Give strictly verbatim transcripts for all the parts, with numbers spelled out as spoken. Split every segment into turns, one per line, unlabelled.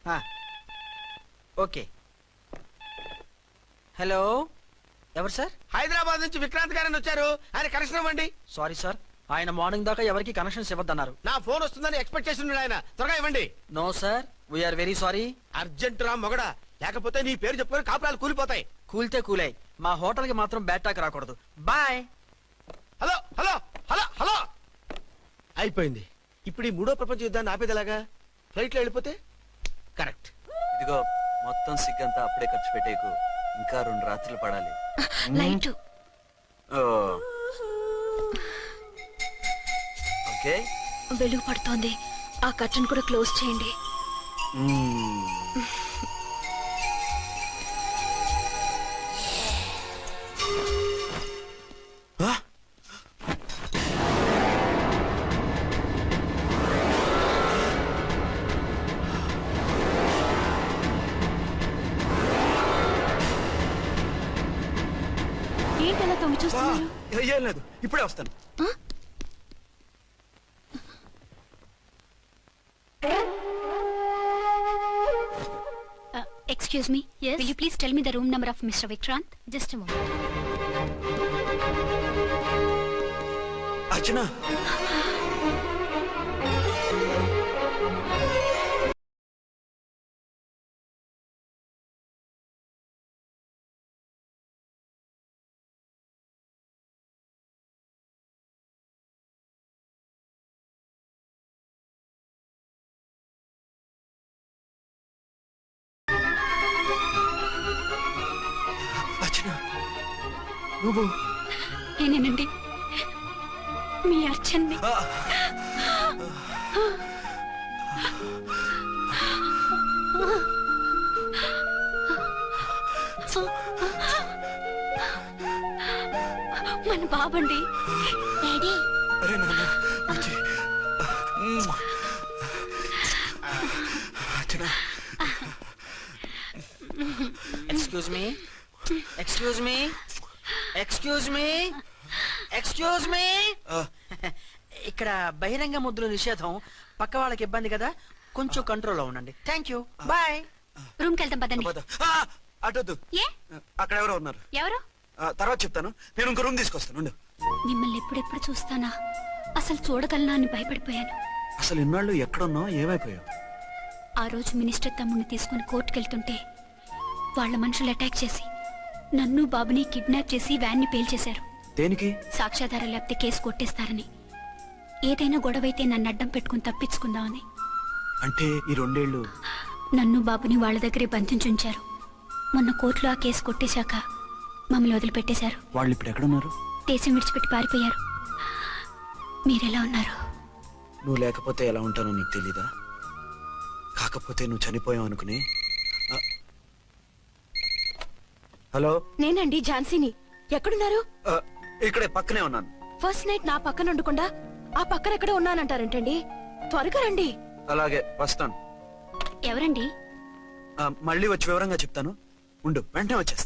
Okay. Hello, ఎవరు sir?
Hyderabad నుంచి విక్రాంత్ గారని వచ్చారు. ఆయన కనెక్షన్ ఇవ్వండి.
సారీ సార్, ఆయన మార్నింగ్ దాకా ఎవరికి కనెక్షన్స్ ఇవ్వద్దన్నారు.
నా ఫోన్ వస్తుందని ఎక్స్పెక్ట్ చేసి ఉన్నాడు ఆయన. త్వరగా ఇవ్వండి.
No sir, we're very sorry.
Urgent రా మొగడా, లేకపోతే నీ పేరు చెప్పుకొని కాపురాలు కూలిపోతాయి.
కూల్తే కూలాయి, మా హోటల్ కి మాత్రం బ్యాడ్ టాక్ రాకూడదు. Bye.
Hello hello hello hello అయిపోయింది. ఇప్పుడు ఈ మూడో ప్రపంచ యుద్ధాన్ని ఆపేదిలాగా? ఫ్లైట్ లో వెళ్ళిపోతే కరెక్ట్.
ఇదిగో మొత్తం సిగ్గంతా అప్పుడే ఖర్చు పెట్టేకు, ఇంకా రెండు రాత్రులు పడాలి.
లైట్
ఓకే,
వెలుగు పడుతోంది. ఆ కర్టన్ కూడా క్లోజ్ చేయండి. ఏంటి అలా తొంగి చూస్తున్నారు?
ఏం లేదు, ఇప్పుడే వస్తాను.
Excuse me. Yes. Will you please tell me the room number of Mister Vikrant? Just a moment.
Archana. నువ్వు
నేనేనండి, మీ అర్చన్ని. మన బాబండి. డాడీ.
అరే నాన్న,
excuse me excuse me excuse me excuse me ఇక్కడ బహిరంగ ముద్దుల నిషేధం. పక్క వాళ్ళకి ఇబ్బంది కదా, కొంచెం కంట్రోల్లో ఉండండి. Thank you, bye.
రూమ్ కి వెళ్తాం పదండి.
అటొద్దు, అక్కడ ఎవరో ఉన్నారు.
ఎవరు?
తర్వాత చెప్తాను. నేను ఇంకో రూమ్ తీసుకొస్తాను.
మిమ్మల్ని ఎప్పుడెప్పుడు చూస్తానా, అసలు చూడగలనా అని భయపడిపోయాను.
అసలు ఇన్నాళ్ళు ఎక్కడున్నావు, ఏమైపోయావు?
ఆ రోజు మినిస్టర్ తమ్ముడిని తీసుకుని కోర్టుకెళ్తుంటే వాళ్ళ మనుషులు అటాక్ చేసి నన్ను బాబుని కిడ్నాప్ చేసి వ్యాన్ ని పేల్చేశారు.
దేనికి?
సాక్ష్యాధారం లేకపోతే కేసు కొట్టేస్తారని. ఏదైనా గొడవైతే నన్ను అడ్డం పెట్టుకుని తప్పించుకుందామని.
అంటే ఈ రెండేళ్లు
నన్ను బాబుని వాళ్ళ దగ్గరే బంధించుంచారు. మొన్న కోర్టులో ఆ కేసు కొట్టేశాక మమ్మల్ని వదిలిపెట్టేశారు.
వాళ్ళు ఇప్పుడు ఎక్కడున్నారు?
దేశం విడిచిపెట్టి పారిపోయారు. మీరెలా ఉన్నారు?
నువ్వు లేకపోతే ఎలా ఉంటానో నీకు తెలీదా? కాకపోతే నువ్వు చనిపోయావు అనుకుని. హలో,
నేనండి ఝాన్సీని. ఎక్కడున్నారు?
ఇక్కడే పక్కనే ఉన్నాను.
ఫస్ట్ నైట్ నా పక్కన ఉండకుండా ఆ పక్కన ఎక్కడ ఉన్నానంటారంటండి. త్వరగా రండి.
అలాగే వస్తాను.
ఎవరండి?
మళ్ళీ వచ్చి వివరంగా చెప్తాను. ఉండు, వెంటనే వచ్చేస్తా.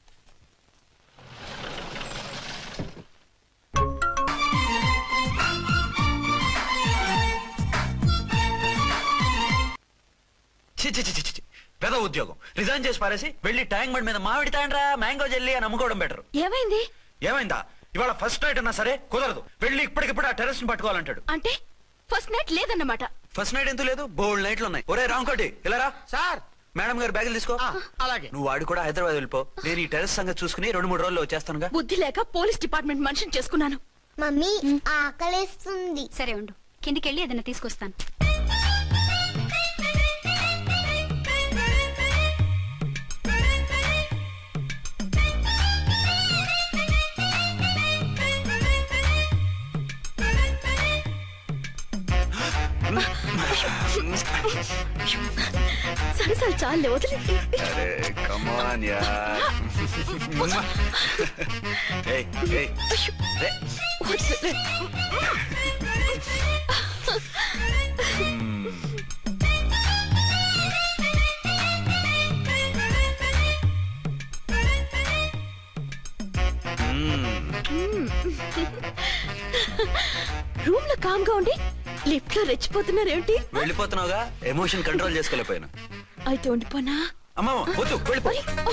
పెద్ద ఉద్యోగం రిజైన్ చేసి పారేసి వెళ్ళి ట్యాంక్ బండ్ మీద మామిడి తాండ్రా మ్యాంగో జెల్లీ అని అమ్ముకోవడం బెటర్.
ఏమైంది?
ఏమైందా? ఇవాళ ఫస్ట్ నైట్ అన్నా సరే కుదరదు. వెళ్ళి ఇప్పటికిప్పుడు ఆ టెర్రస్ ని పట్టుకోవాలంటాడు.
అంటే ఫస్ట్ నైట్ లేదన్నమాట.
ఫస్ట్ నైట్ ఎందుకు లేదు? బోల్డ్ నైట్లు ఉన్నాయి. ఒరే రాంకోటి ఇలారా.
సార్,
మేడం గారు బ్యాగులు తీసుకో.
అలాగే.
నువ్వు వాడు కూడా హైదరాబాద్ వెళ్ళిపో. నేను ఈ టెర్రస్ సంగతి చూసుకుని రెండు మూడు రోజుల్లో వచ్చేస్తానుగా.
బుద్ధి లేక పోలీస్ డిపార్ట్మెంట్ మనిషిని చేసుకున్నాను.
మమ్మీ ఆకలేస్తుంది.
సరే ఉండు, కిందికెళ్ళి ఏదైనా తీసుకొస్తాను.
సరే సరే చాలే, వదిలే. రూమ్ లో కామ్ గా ఉండి లిఫ్ట్ లో రెచ్చిపోతున్నారేంటి?
వెళ్ళిపోతున్నావుగా, ఎమోషన్ కంట్రోల్ చేసుకోలేకపోయాను.
అయితే ఉండిపోనా?
అమ్మమ్మ వద్దు వెళ్ళిపో.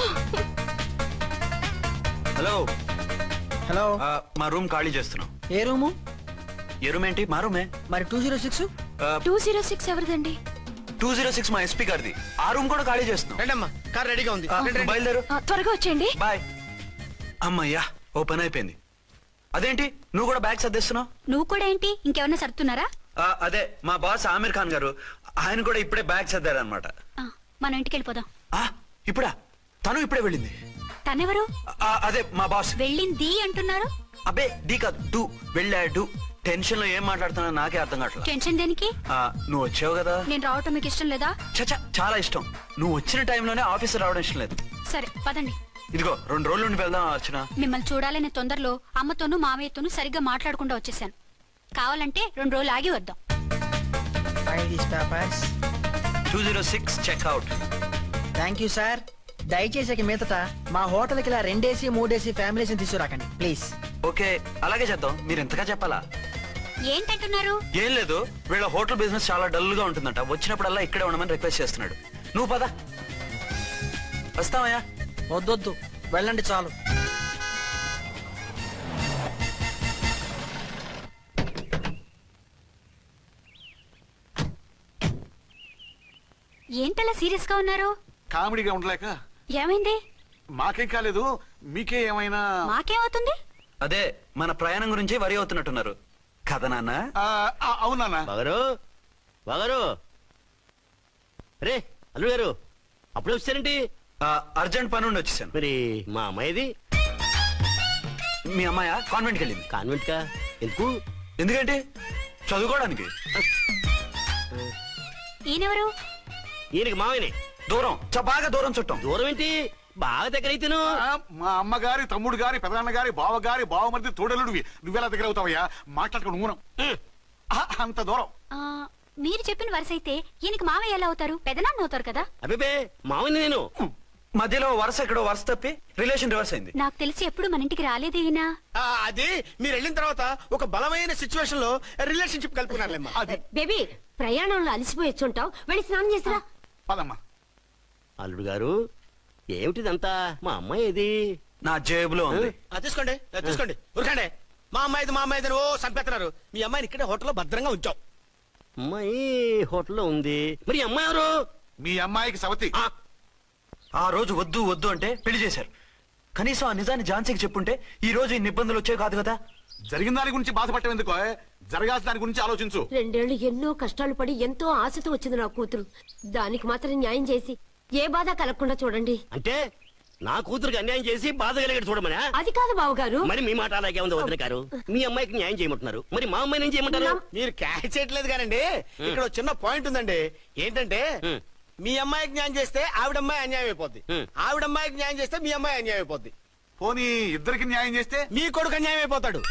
హలో
హలో,
ఆ, మా రూమ్ ఖాళీ చేస్తున్నాం.
ఏ రూము?
ఏ రూమ్ ఏంటి? మా రూమే.
మరి two zero six
two zero six ఎవరిదండి?
టూ జీరో సిక్స్ మా ఎస్పీ గారిది. ఆ రూమ్ కూడా ఖాళీ చేస్తున్నాం.
రండమ్మా, కార్ రెడీగా ఉంది.
ఆ,
రండి, రండి.
బయలుదేరు.
ఆ, త్వరగా వచ్చేయండి.
బాయ్. అమ్మయ్యా, ఓ పని అయిపోయింది. అదేంటి నువ్వు కూడా బ్యాగ్ సర్దేస్తున్నావు?
నువ్వు కూడా ఏంటి ఇంకెవరన్నా సర్దుతున్నారా?
ఆ, అదే మా బాస్ ఆమీర్ ఖాన్ గారు, ఆయన కూడా ఇప్పుడే బ్యాగ్ సర్దారనమాట.
ఆ, మనం ఇంటికి వెళ్ళిపోదాం.
ఇప్పుడా? తను ఇప్పుడే వెళ్ళింది.
తనెవరు?
ఆ, అదే మా బాస్.
వెళ్ళింది అంటున్నారు.
అబ్బే డీ కాదు, డూ. వెళ్ళాడు. టెన్షన్ లో ఏం మాట్లాడుతున్నా నాకే అర్థం కావట్లేదు.
టెన్షన్ దేనికి?
నువ్వు వచ్చావు కదా.
నేను రావటం మీకు ఇష్టం లేదా?
చచ్చా, చాలా ఇష్టం. నువ్వు వచ్చిన టైంలోనే ఆఫీసర్ రావడం ఇష్టం లేదు.
సరే పదండి.
ఇదిగో రెండు రోజుల నుండి వెళ్దాం అర్చన.
మిమ్మల్ని చూడాలనే తొందరలో అమ్మతోనూ మామయ్యతోనూ సరిగ్గా మాట్లాడకుండా వచ్చేసాను. కావాలంటే రెండు రోజులు ఆగి వద్దాం.
Two zero six checkout.
Thank you sir. దయచేసి ఇక మీదట మా హోటల్కి ఇలా రెండేసి మూడేసి ఫ్యామిలీస్ తీసుకురాకండి ప్లీజ్.
ఓకే, అలాగే చేద్దాం. మీరు ఎంతగా చెప్పాలా?
ఏంటంటున్నారు?
ఏం లేదు, వీళ్ళ హోటల్ బిజినెస్ చాలా డల్ గా ఉంటుందంట. వచ్చినప్పుడల్లా ఇక్కడే ఉండమని రిక్వెస్ట్ చేస్తున్నాడు. నువ్వు పద. వస్తావయ్యా?
వద్దొద్దు, వెళ్ళండి చాలు.
ఏంటలా సీరియస్ గా ఉన్నారు?
కామెడీగా ఉండలేక.
ఏమైంది?
మాకేం కాలేదు, మీకే ఏమైనా?
మాకేమవుతుంది?
అదే మన ప్రయాణం గురించి వరి అవుతున్నట్టున్నారు కదా నాన్న?
ఆ, ఆ, అవునా?
బాగారు బాగారు రే అల్లుడు గారు, అప్పుడే వచ్చారేంటి?
ఆ, అర్జెంట్ పని ఉండి వచ్చేసాను.
మరి మా అమ్మాయిది?
మీ అమ్మాయ కాన్వెంట్కి వెళ్ళింది.
కాన్వెంట్ కా? ఎందుకు?
ఎందుకంటే చదువుకోవడానికి.
ఈయనెవరు?
ఈయనకి మామయ్యనే.
దూరం, చ బాగా దూరం చుట్టాం.
దూరం ఏంటి, బాగా దగ్గర అయితేను.
ఆ, మా అమ్మగారి తమ్ముడు గారి పెదనాన్న గారి బావ గారి బావమరిది తోడలుడివి. నువ్వెలా దగ్గర అవుతావయ్యా? మాట్లాడుకుని ఊనం. ఆ, అంత దూరం.
ఆ, మీరు చెప్పిన వరుస అయితే ఈయనకి మామయ్య ఎలా అవుతారు? పెదనాన్న అవుతారు కదా.
అబ్బే మామయ్య నేను.
మధ్యలో వరుస ఎక్కడో వరుస తప్పి రిలేషన్ రివర్స్ అయింది.
నాకు తెలిసి ఎప్పుడు మన ఇంటికి రాలేదు ఈయన.
ఆ, అది మీరు వెళ్ళిన తర్వాత ఒక బలమైన సిచ్యువేషన్ లో రిలేషన్షిప్ కలుపుకున్నారులేమ్మా.
అది
బేబీ, ప్రయాణంలో అలసిపోయి వచ్చుంటావు, వెళ్ళి స్నానం చేసిరా.
పదమ్మా.
అల్లుడు గారు, ఏమిటిదంతా? మా అమ్మాయి ఏది?
నా జేబులో ఉంది.
తీసుకోండి తీసుకోండి, ఉరకండి. మా అమ్మాయిది మా అమ్మాయిది ఓ సంపెత్తనారు. మీ అమ్మాయిని ఇక్కడే హోటల్లో భద్రంగా ఉంచాం. అమ్మాయి హోటల్లో ఉంది. మరి ఈ అమ్మాయి ఎవరు?
మీ అమ్మాయికి సవతి.
ఆ,
ఆ రోజు వద్దు వద్దు అంటే పెళ్లి చేశారు. కనీసం ఆ నిజాన్ని ఝాన్సీకి చెప్పుంటే ఈ రోజు ఇన్ని ఇబ్బందులు వచ్చే కాదు కదా.
జరిగిన దాని గురించి బాధపడటం ఎందుకో, జరగాల్సిన దాని గురించి ఆలోచించు.
రెండేళ్లు ఎన్నో కష్టాలు పడి ఎంతో ఆశతో వచ్చింది నా కూతురు. దానికి మాత్రం న్యాయం చేసి ఏ బాధ కలగకుండా చూడండి.
అంటే నా కూతురికి అన్యాయం చేసి బాధ కలిగేది చూడమనా?
అది కాదు బావగారు.
మరి మీ మాట అలాగే ఉంది వదిన గారు. మీ అమ్మాయికి న్యాయం చేయమంటున్నారు, మరి మా అమ్మాయిని ఏం చేయమంటారు?
మీరు క్యాచ్ చేయట్లేదు కానండి, ఇక్కడ ఒక చిన్న పాయింట్ ఉందండి. ఏంటంటే
ఉమ్.
మీ అమ్మాయికి న్యాయం చేస్తే ఆవిడమ్మాయి అన్యాయం అయిపోద్ది,
ఉమ్.
ఆవిడమ్మాయికి న్యాయం చేస్తే మీ అమ్మాయి అన్యాయం అయిపోద్ది,
పోనీ ఇద్దరికి న్యాయం చేస్తే
మీ కొడుకు అన్యాయం అయిపోతాడు.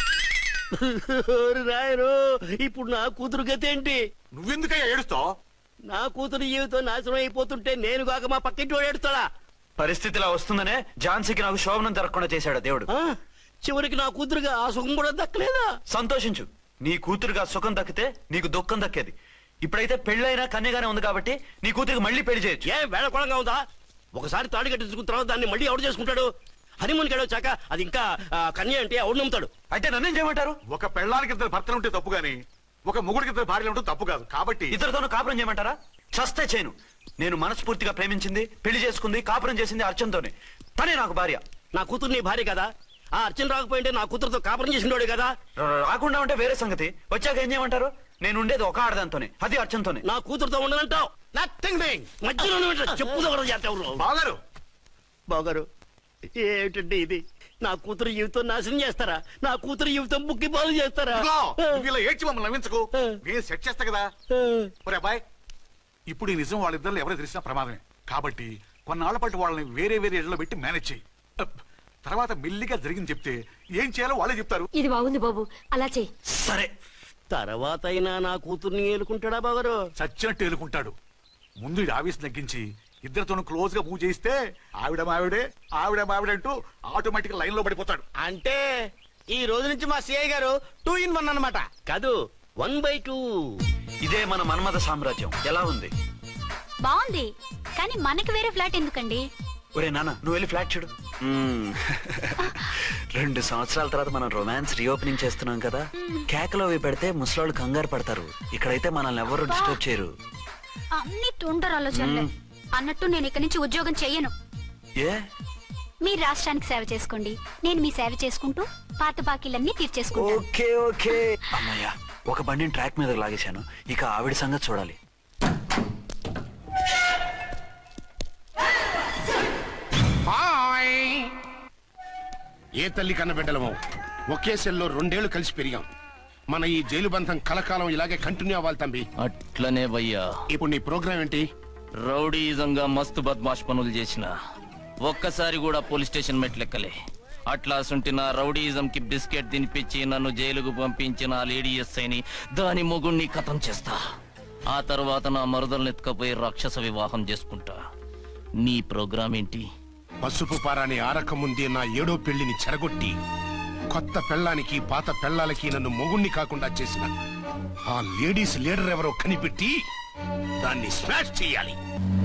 ఓరి రాయరు, ఇప్పుడు నా కూతురు గతి ఏంటి?
నువ్వెందుకయ్యా ఏడుస్తావు?
నా కూతురు జీవితం నాశనం అయిపోతుంటే నేను కాక మా పక్కింటి వాడు ఏడుస్తాడా?
పరిస్థితిలా వస్తుందనే ఝాన్సీకి నాకు శోభనం జరగకుండా చేశాడు దేవుడు.
ఆ? చివరికి నా కూతురుగా ఆ సుఖం కూడా దక్కలేదా?
సంతోషించు, నీ కూతురుగా సుఖం దక్కితే నీకు దుఃఖం దక్కేది. ఇప్పుడైతే పెళ్ళైనా కన్యగానే ఉంది కాబట్టి నీ కూతురికి మళ్ళీ పెళ్లి చేయొచ్చు.
ఏం వేళకోళంగా ఉందా? ఒకసారి తాడు కట్టించుకున్న తర్వాత దాన్ని మళ్ళీ ఎవడు చేసుకుంటాడు? హనీమూన్కి వెళ్ళొచ్చాక అది ఇంకా ఆ, కన్య అంటే ఎవడు నమ్ముతాడు?
అయితే నన్నేం చేయమంటారు?
ఒక పెళ్ళానికి ఇద్దరు భర్తలు ఉంటే తప్పు గాని ఒక మొగుడికి ఇద్దరు భార్యలు ఉంటే తప్పు కాదు. కాబట్టి
ఇద్దరితోనూ కాపురం చేయమంటారా? చస్తే చేయను. నేను మనస్ఫూర్తిగా ప్రేమించింది, పెళ్లి చేసుకుంది, కాపురం చేసింది అర్చనతోనే. తనే నాకు భార్య.
నా కూతురు నీ భార్య కదా? ఆ అర్చన రాకపోయింటే నా కూతురుతో కాపురం చేసినోడే కదా?
రాకుండా ఉంటే వేరే సంగతి. వచ్చాక ఏం చేయమంటారు? నేను ఉండేది ఒక ఆడదాంతోనే, అది అర్చనతోనే.
నా కూతురుతో ఉండనంటావు?
Nothing doing.
మధ్యలో చెప్పుదో కూడా చేస్తావు.
బాగారు
బాగారు, ఏమిటండి ఇది? నా కూతురు జీవితం నాశనం చేస్తారా? నా కూతురు జీవితం బుక్కి పాలు చేస్తారా?
ఇదిగో, నువ్వు ఇలా ఏడ్చి మమ్మల్ని నవ్వించకు. నేను సెట్ చేస్తా కదా. ఒరే అబ్బాయి, ఇప్పుడు ఈ నిజం వాళ్ళిద్దరు ఎవరో తెలిసినా ప్రమాదమే. కాబట్టి కొన్నాళ్ల పాటు వాళ్ళని వేరే వేరే ఇళ్లలో పెట్టి మేనేజ్ చేయి. అప్. తర్వాత మెల్లిగా జరిగింది చెప్తే ఏం చేయాలో వాళ్ళే చెప్తారు.
ఇది బాగుంది బాబు, అలా చెయ్యి.
సరే,
తర్వాత అయినా నా కూతుర్ని ఏలుకుంటాడా బాగారు?
చచ్చినట్టు ఏలుకుంటాడు. ముందు ఈ ఆవేశం తగ్గించి ఇద్దరితోనూ క్లోజ్ గా మూవ్ చేయిస్తే ఆవిడ మావిడే ఆవిడ మావిడే అంటూ ఆటోమేటిక్ లైన్ లో పడిపోతాడు.
అంటే ఈ రోజు నుంచి మా సిఐ గారు టూ ఇన్ వన్ అన్నమాట.
కాదు, వన్ బై టూ.
ఇదే మన మన్మథ సామ్రాజ్యం. ఎలా ఉంది?
బాగుంది, కానీ మనకి వేరే ఫ్లాట్ ఎందుకండి?
ఒరే నాన్న నువ్వు వెళ్ళి ఫ్లాట్ చూడు. మ్మ్. రెండు సంవత్సరాల తర్వాత మనం రొమాన్స్ రీఓపెనింగ్ చేస్తున్నాం కదా, కేకలో అవి పెడితే ముసలోళ్ళు కంగారు పడతారు. ఇక్కడైతే మనల్ని ఎవరు డిస్టర్బ్ చేయరు.
అన్ని తొందర ఆలోచనలే. అన్నట్టు నేను ఇక్కడి నుంచి ఉద్యోగం చెయ్యను.
ఏ?
మీరు రాష్ట్రానికి సేవ చేసుకోండి, నేను మీ సేవ చేసుకుంటూ పాత బాకీలన్నీ తీర్చేసుకుంటాను.
Okay okay. అమ్మయ్యా, ఒక బండిని ట్రాక్ మీద లాగేశాను. ఇక ఆవిడ సంగతి చూడాలి.
ఏ తల్లి కన్నబిడ్డలమో ఒకే సెల్లో రెండేళ్లు కలిసి పెరిగాం. మన ఈ జైలు బంధం కలకాలం ఇలాగే కంటిన్యూ అవ్వాలి తంబి.
అట్లనే భయ్యా.
ఇప్పుడు నీ ప్రోగ్రామ్ ఏంటి?
రౌడీజంగా మస్తు బద్మాష్ పనులు చేసిన ఒక్కసారి కూడా పోలీస్ స్టేషన్ మెట్లెక్కలే. అట్లాసుంటి నా రౌడీజం కి బిస్కెట్ తినిపించి నన్ను జైలుకు పంపించిన ఆ లేడీ ఎస్ఐని దాని మొగుణ్ణి కథం చేస్తా. ఆ తర్వాత నా మరుదల్ని ఎత్తుకపోయి రాక్షస వివాహం చేసుకుంటా. నీ ప్రోగ్రామ్ ఏంటి?
పసుపు పారాని ఆరక ముందే నా ఏడో పెళ్లిని చెరగొట్టి కొత్త పెళ్ళానికి పాత పెళ్ళాలకి నన్ను మొగుణ్ణి కాకుండా చేసిన ఆ లేడీస్ లీడర్ ఎవరో కనిపెట్టి దాన్ని స్మాష్ చెయ్యాలి.